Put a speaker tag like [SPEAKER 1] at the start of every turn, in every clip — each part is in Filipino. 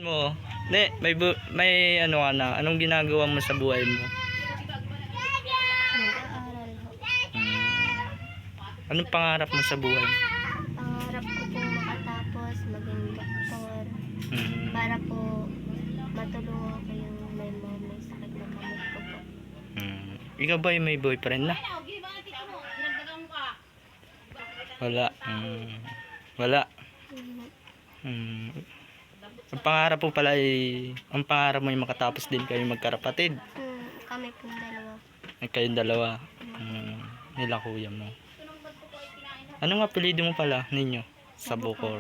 [SPEAKER 1] Mo, may ano ka na, anong ginagawa mo sa buhay mo?
[SPEAKER 2] Nag-aaral ho.
[SPEAKER 1] Anong pangarap mo sa buhay?
[SPEAKER 2] Pangarap ko po makatapos, maging doktor.
[SPEAKER 1] Mm.
[SPEAKER 2] Para po matulungan ko yung may sakit na kamot ko po.
[SPEAKER 1] Ikaw ba may boyfriend na? Wala. Wala.
[SPEAKER 2] Mhm.
[SPEAKER 1] Ang pangarap mo pala ay, ang pangarap mo ay makatapos din kayo magkarapatid.
[SPEAKER 2] Kami po dalawa.
[SPEAKER 1] Ay kayong dalawa. Nila kuya mo. Anong apelyido mo pala ninyo? Sa Bukor.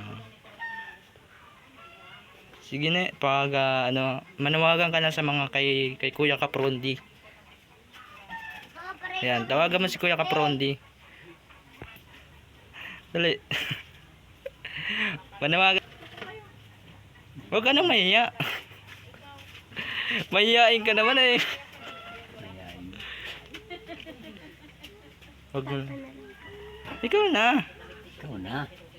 [SPEAKER 1] Sige na, pag manawagan ka na sa mga kay Kuya Kaprondi. Ayan, tawagan mo si Kuya Kaprondi. Dali. Manawagan. Huwag ka nang mahiya. Mahihain ka naman eh. Huwag mo. Ikaw na.
[SPEAKER 3] Ikaw na.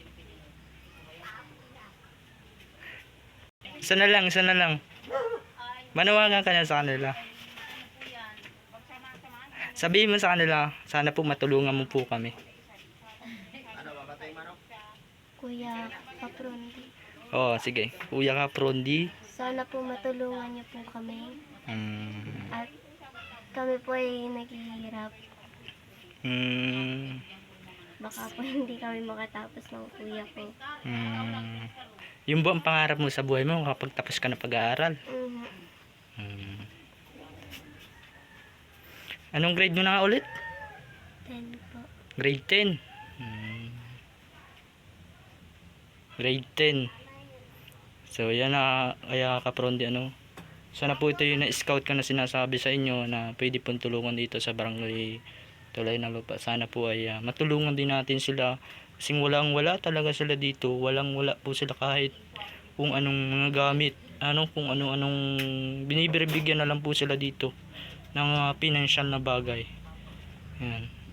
[SPEAKER 1] Isa na lang. Manawagan ka na sa kanila. Sabihin mo sa kanila, sana po matulungan mo po kami.
[SPEAKER 2] Kuya Kaprondi.
[SPEAKER 1] Oo, sige. Kuya Kaprondi.
[SPEAKER 2] Sana po matulungan niyo po kami. At kami po ay naghihirap. Baka po hindi kami makatapos ng kuya ko.
[SPEAKER 1] Yung ba ang pangarap mo sa buhay mo kapag tapos ka na pag-aaral? Anong grade mo na nga ulit?
[SPEAKER 2] 10 po.
[SPEAKER 1] Grade 10. Grade 10. So yan na, kaya Kaprondi sana po ito yung na-scout ka na sinasabi sa inyo na pwede pong tulungan dito sa barangay Tulay ng Lupa. Sana po ay matulungan din natin sila kasi wala talaga sila dito. Wala po sila kahit kung anong mga gamit, kung anong binibigyan na lang po sila dito ng financial na bagay. Yan.